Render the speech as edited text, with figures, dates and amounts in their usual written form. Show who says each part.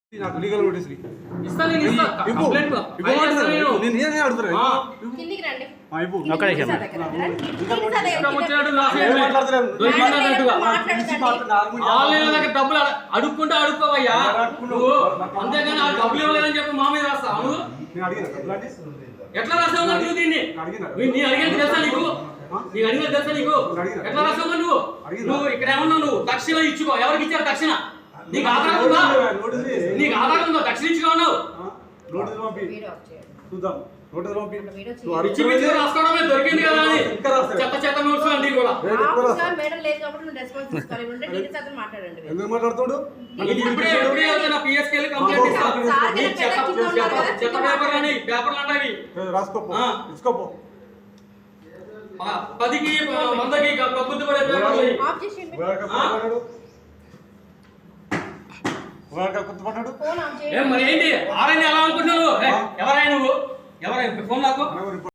Speaker 1: నాకు legal notice
Speaker 2: ఇస్తా నేను ఇస్తా కంప్లైంట్
Speaker 1: నేను నేనే అడుగుతున్నా
Speaker 3: కిందికి రండి
Speaker 2: ఒక్క నిమిషం ఆన్లైన్ దగ్గర డబ్బులు అడుక్కుంటే అడుక్కోవయ్యా నువ్వు అంతేగాని ఆ డబ్బులు ఇవ్వలేదని చెప్పి మా మీద రాస్తావు నువ్వు ఎట్లా రాసావు నువ్వు దీన్ని నీ అడిగేది తెలుసా నీకు నీకు అడిగేది తెలుసా నీకు ఎట్లా రాసావు నువ్వు ఇక్కడ ఏమన్నావు నువ్వు దక్షిణ ఇచ్చుకో ఎవరికి ఇచ్చారు దక్షిణ నీకు ఆధారం ఉందా నీకు ఆధారం ఉందా దక్షిణ ఇచ్చుకున్నావు రాసుకోవడమే దొరికింది కదా అని చెత్త చెత్త నోట్స్ అన్ని కూడా పిఎస్కెళ్ళి కంప్లైంట్ ఇస్తాను చెత్త పేపర్ అని పేపర్లు అంటాయి
Speaker 1: రాసుకోపో
Speaker 2: 10కి 100కి కబ్బుద్ది పడే పేపర్లు మరి ఏంటి ఆరైనా ఎలా అనుకుంటున్నావు ఎవరైనా నువ్వు ఎవరైనా ఫోన్ నాకు